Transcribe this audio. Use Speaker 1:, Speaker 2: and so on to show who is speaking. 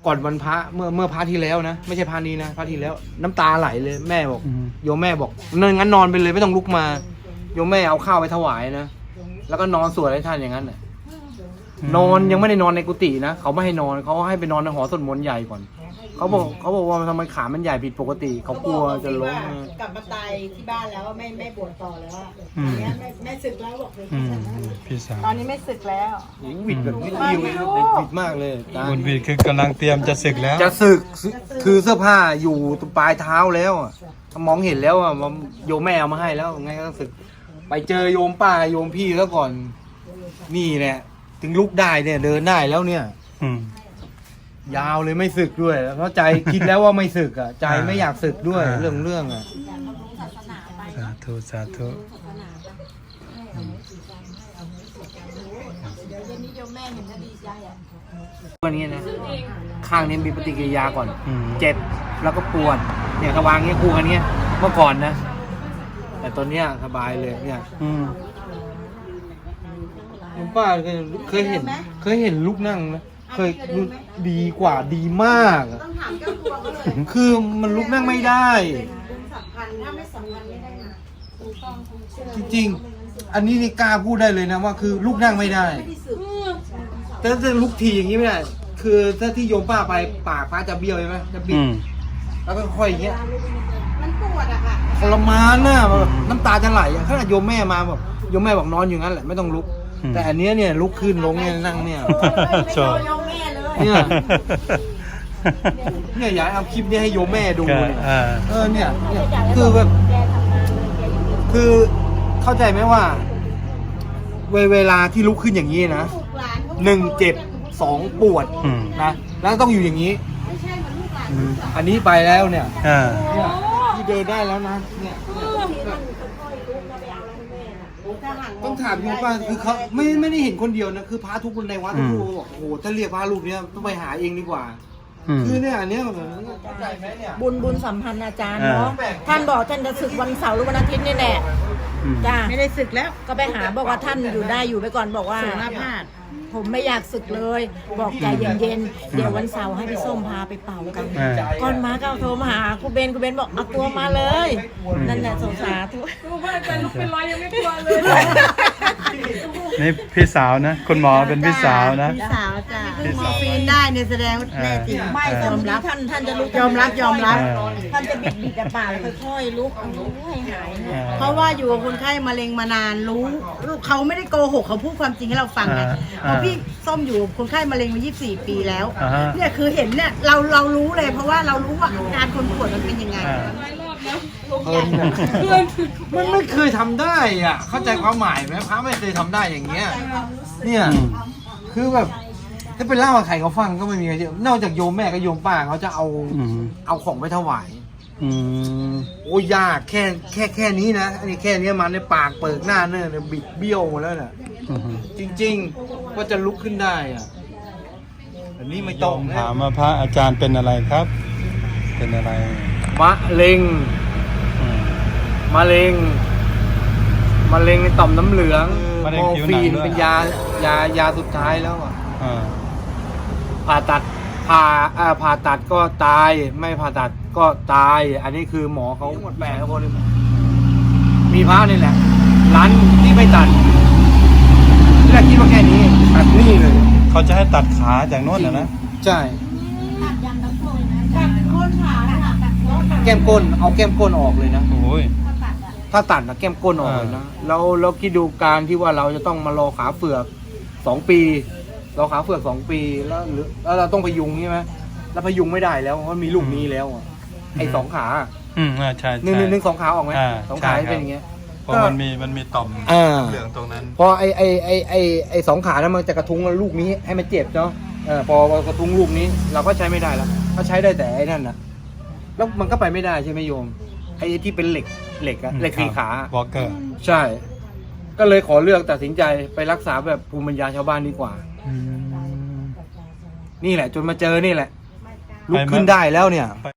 Speaker 1: ก่อนวันพระเมื่อพระที่แล้วนะไม่ใช่พระนี้นะพระที่แล้วน้ำตาไหลเลยแม่บอกโยมแม่บอกงั้นนอนไปเลยไม่ต้องลุกมาโยมแม่เอาข้าวไปถวายนะแล้วก็นอนสวดให้ท่านอย่างนั้นน่ะนอนยังไม่ได้นอนในกุฏินะเขาไม่ให้นอนเขาให้ไปนอนในหอสวดมนต์ใหญ่ก่อนเขาบอกว่าทำไมขามันใหญ่ผิดปกติเขากลัวจะล้ม
Speaker 2: กลับมาตายที่บ้านแล้วไม่บวชต่อแล้วตอนนี้แม่ศึกแล้วบอกเลย
Speaker 3: พี่สาว
Speaker 2: ตอนนี้ไม่ศึกแล้ว
Speaker 1: วิดแบบวิดมากเลย
Speaker 3: บุญวิดคือกำลังเตรียมจะศึกแล้ว
Speaker 1: จะศึกคือเสื้อผ้าอยู่ตรงปลายเท้าแล้วมองเห็นแล้วโยมแม่เอามาให้แล้วไงก็ศึกไปเจอโยมป้าโยมพี่แล้วก่อนนี่แหละถึงลุกได้เนี่ยเดินได้แล้วเนี่ยยาวเลยไม่ศึกด้วยเพราะใจคิดแล้วว่าไม่ศึกอ่ะใจไม่อยากศึกด้วยเรื่องอ่ะ
Speaker 3: สาธุสาธุ
Speaker 1: วันนี้นะข้างนี้มีปฏิกิริยาก่อนเจ็บแล้วก็ปวดเนี่ยกระวางเงี้ยคู่กันเนี้ยเมื่อก่อนนะแต่ตอนเนี้ยสบายเลยเนี่ยคุณป้าเคยเห็นลูกนั่งนะเคยดีกว่าดีมาก
Speaker 2: ต้องถามเจ้าตัวเขาเลย
Speaker 1: คือมันลุกนั่งไม่ได้
Speaker 2: ถ้าไม่สำคัญไม่ได้นะ
Speaker 1: จริงๆอันนี้นี่กล้าพูดได้เลยนะว่าคือลุกนั่งไม่ได้แต่ถ้าลุกทีอย่างนี้ไม่ได้คือถ้าที่โยมป้าไปปากป้าจะเบี้ยวใช่ไหมจะบิดแล้วก็ค่อยอย่างเงี้ย
Speaker 2: มันปวดอะค่ะ
Speaker 1: ทรมานน่ะน้ำตาจะไหลขนาดโยมแม่มาบอกโยมแม่บอกนอนอยู่งั้นแหละไม่ต้องลุกแต่อันนี้เนี่ยลุกขึ้นลงเนี่ยนั่งเนี่ยเนี่ยอยากเอาคลิปนี้ให้โยมแม่ดูเนี่ยคือแบบคือเข้าใจไหมว่าเวลาที่ลุกขึ้นอย่างนี้นะ1 เจ็บ 2 ปวดนะแล้วต้องอยู่อย่างนี้อันนี้ไปแล้วเนี่ยที่เดินได้แล้วนะเนี่ยต้องถามโยมป้าคือเขาไม่ได้เห็นคนเดียวนะคือพระทุกคนในวัดทุกรูปบอกโอ้โหถ้าเรียกพระรูปนี้ต้องไปหาเองดีกว่าคือเนี่ยอันนี้
Speaker 2: บุญสัมพันธ์อาจารย์เนาะท่านบอกท่านจะศึกวันเสาร์หรือวันอาทิตย์นี่แหละจ้าไม่ได้ศึกแล้วก็ไปหาบอกว่าท่านอยู่ได้อยู่ไปก่อนบอกว่าผมไม่อยากศึกเลยบอกใจเย็นๆเดี๋ยววันเสาร์ให้พี่ส้มพาไปเป่ากันก่อนมาก็โทรมาหาครูเบนบอกเอาตัวมาเลยนั่นแหละสงสารทุกว่าจะลุกเป็นร้อยยังไม่กลัวเลย
Speaker 3: นี่พี่สาวนะคุณหมอเป็นพี่สาวนะ
Speaker 2: พี่สาวจ้ะมอร์ฟีนได้เนี่ยแสดงว่าแน่จริงไม่ยอมรับท่านจะลุกยอมรับท่านจะบิดแต่ป่าแล้วค่อยๆลุกให้หายเพราะว่าอยู่กับคนไข้มะเร็งมานานรู้เขาไม่ได้โกหกเขาพูดความจริงให้เราฟังไงเพราะพี่ส้มอยู่คนไข้มะเร็งมา24 ปีแล้วเนี่ยคือเห็นเนี่ยเรารู้เลยเพราะว่าเรารู้ว่าอาการคนป่วยมันเป็นยังไง
Speaker 1: มันไม่เคยทำได้อ่ะเข้าใจความหมายไหมพระไม่เคยทำได้อย่างเงี้ยเนี่ยคือแบบถ้าเป็นเล่าใครเขาฟังก็ไม่มีใครเชื่อนอกจากโยมแม่กับโยมป้าเขาจะเอาของไปถวายโอ้ยากแค่นี้นะอันนี้แค่นี้มันในปากเปิดหน้าเนี่ยบิดเบี้ยวหมดแล้วน่ะจริงๆว่าจะลุกขึ้นได้อ่ะอันนี้ไม่ต้อง
Speaker 3: ถามมาพระอาจารย์เป็นอะไรครับ เป็นอะไร
Speaker 1: มะเร็งในต่อมน้ำเหลืองมอร์ฟีนเป็นยาสุดท้ายแล้วอ่ะผ่าตัดก็ตายไม่ผ่าตัดก็ตายอันนี้คือหมอเขาหมดแปลกคนมีพระนี่แหละร้านที่ไม่ตัดที่แรกคิดว่าแค่นี้ตัดนี่เลย
Speaker 3: เขาจะให้ตัดขาจากโน้นนะ
Speaker 1: ใช่แก้มก้นเอาแก้มก้นออกเลยนะ
Speaker 3: โอ้ย
Speaker 1: ถ้าตัดนะแก้มก้นออกเลยนะแล้วคิดดูการที่ว่าเราจะต้องมารอขาเฟือก2 ปีรอขาเฟือก2 ปีแล้วเราต้องพยุงใช่ไหมแล้วพยุงไม่ได้แล้วเพราะมีลูกนี้แล้วไอ้2 ขา
Speaker 3: ใช่
Speaker 1: 1 2 ขาออกไหม2 ขาเป็นอย่างเงี้ย
Speaker 3: เพราะมันมีต่อมเหลืองตรงนั้น
Speaker 1: พอไอ้2 ขานั้นมันจะกระทุ้งลูกนี้ให้มันเจ็บเนาะพอกระทุ้งลูกนี้เราก็ใช้ไม่ได้แล้วก็ใช้ได้แต่ไอ้นั่นนะแล้วมันก็ไปไม่ได้ใช่ไหมโยมไอ้ที่เป็นเหล็ก4 ขาว
Speaker 3: อลเกอร์
Speaker 1: ใช่ก็เลยขอเลือกตัดสินใจไปรักษาแบบภูมิปัญญาชาวบ้านดีกว่านี่แหละจนมาเจอนี่แหละลุกขึ้นได้แล้วเนี่ย